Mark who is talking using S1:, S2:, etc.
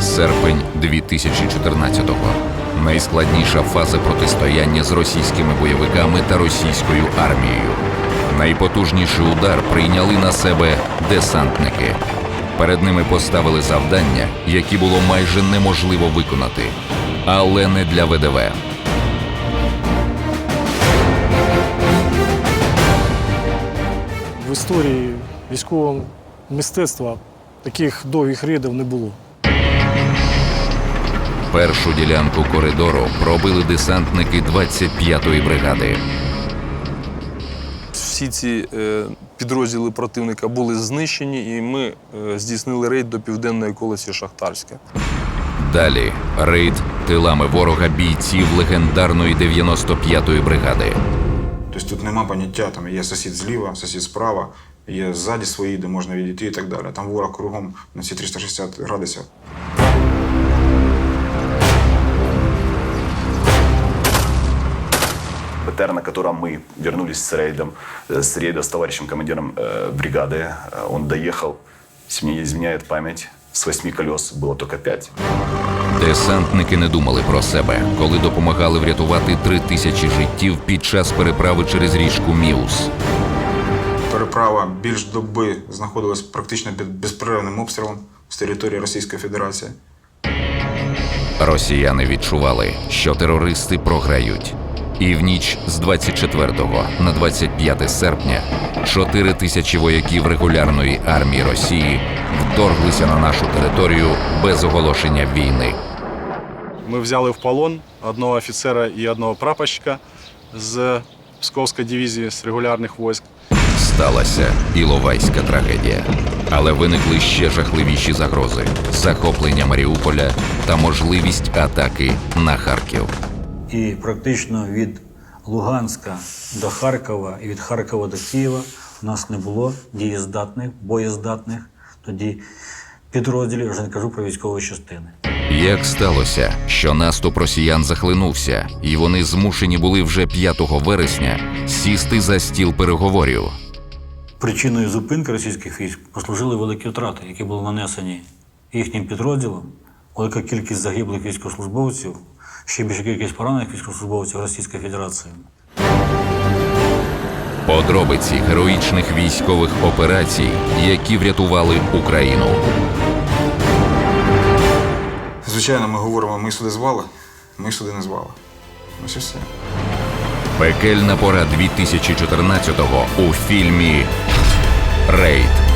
S1: Серпень 2014-го. Найскладніша фаза протистояння з російськими бойовиками та російською армією. Найпотужніший удар прийняли на себе десантники. Перед ними поставили завдання, які було майже неможливо виконати. Але не для ВДВ.
S2: В історії військового мистецтва таких довгих рейдів не було.
S1: Першу ділянку коридору пробили десантники 25-ї бригади.
S3: Всі ці підрозділи противника були знищені, і ми здійснили рейд до південної околиці Шахтарська.
S1: Далі рейд тилами ворога бійців легендарної 95-ї бригади.
S4: Тобто тут нема поняття, там є сусід зліва, сусід справа, є ззаді свої, де можна відійти і так далі. Там ворог кругом на ці 360 градусів.
S5: БТР, на котором мы вернулись с рейда с товарищем командиром бригады, он доехал, если мне не изменяет память, с 8 колес было только 5.
S1: Десантники не думали про себе, коли допомагали врятувати 3000 життів під час переправи через річку Міус.
S4: Переправа більш доби знаходилась практично під безперервним обстрілом з території Російської Федерації.
S1: Росіяни відчували, що терористи програють. І в ніч з 24 на 25 серпня 4000 вояків регулярної армії Росії вторглися на нашу територію без оголошення війни.
S6: Ми взяли в полон одного офіцера і одного прапорщика з Псковської дивізії, з регулярних військ.
S1: Сталася Іловайська трагедія. Але виникли ще жахливіші загрози – захоплення Маріуполя та можливість атаки на Харків.
S7: І практично від Луганська до Харкова і від Харкова до Києва у нас не було дієздатних, боєздатних тоді підрозділів, вже не кажу про військові частини.
S1: Як сталося, що наступ росіян захлинувся, і вони змушені були вже 5 вересня сісти за стіл переговорів?
S7: Причиною зупинки російських військ послужили великі втрати, які були нанесені їхнім підрозділом, велика кількість загиблих військовослужбовців, ще більша кількість поранених військовослужбовців Російської Федерації.
S1: Подробиці героїчних військових операцій, які врятували Україну.
S4: Звичайно, ми говоримо, ми сюди звали, ми сюди не звали. Ось і все.
S1: Пекельна пора 2014-го у фільмі «Рейд».